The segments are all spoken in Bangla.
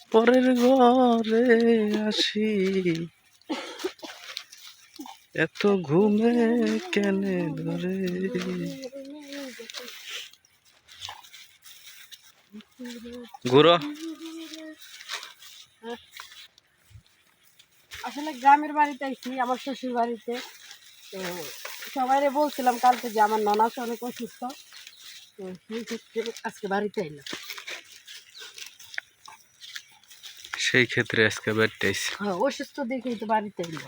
পরের ঘরে আসি, এত ঘুমে কেনে ধরে। ঘুরো। আসলে গ্রামের বাড়িতে আইছি, আমার শ্বশুর বাড়িতে। তো সবাইরে বলছিলাম কালকে যে আমার ননাস অনেক অসুস্থ, তো সেই ক্ষেত্রে আজকে বাড়িতে এলাম। সেই ক্ষেত্রে আজকে বেড়তেছি। হ্যাঁ, অসুস্থ দেখেই তো বাড়িতে এলাম।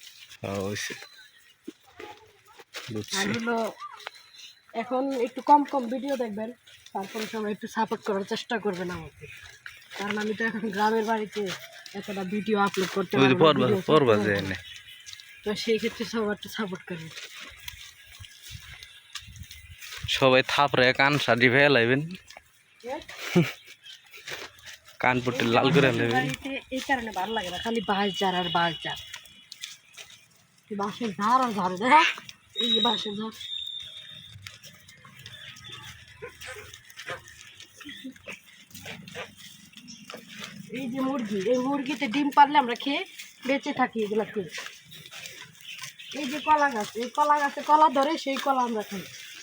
আর হলো এখন একটু কম কম ভিডিও দেখবেন, তারপরে সবাই একটু সাপোর্ট করার চেষ্টা করবেন আমাকে, কারণ আমি তো এখন গ্রামের বাড়িতে একটা ভিডিও আপলোড করতে পারবো না, তো সেই ক্ষেত্রে সবাই একটু সাপোর্ট করবেন। সবাই থাপড়ে কান সাজি ভেয়ে লাইবেন, কান পট্টি লাল করে লাইবেন। এই কারণে ভালো লাগে না, খালি বাঁশ ঝাড় আর বাঁশ ঝাড়, বাঁশের ঝাড় আর ঝাড়, দেখ এই যে বাঁশের ঝাড়। এই যে মুরগি, এই মুরগিতে ডিম পারলে আমরা খেয়ে বেঁচে থাকি এগুলাকে। এই যে কলা গাছ, এই কলা গাছে কলা ধরে সেই কলা আমরা খাই।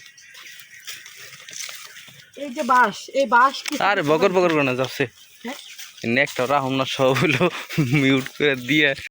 এই যে বাঁশ, এই বাঁশ আরে বকর বকর করে না যাচ্ছে, নেকটা রাহুম না সব হলো মিউট করে দিয়ে।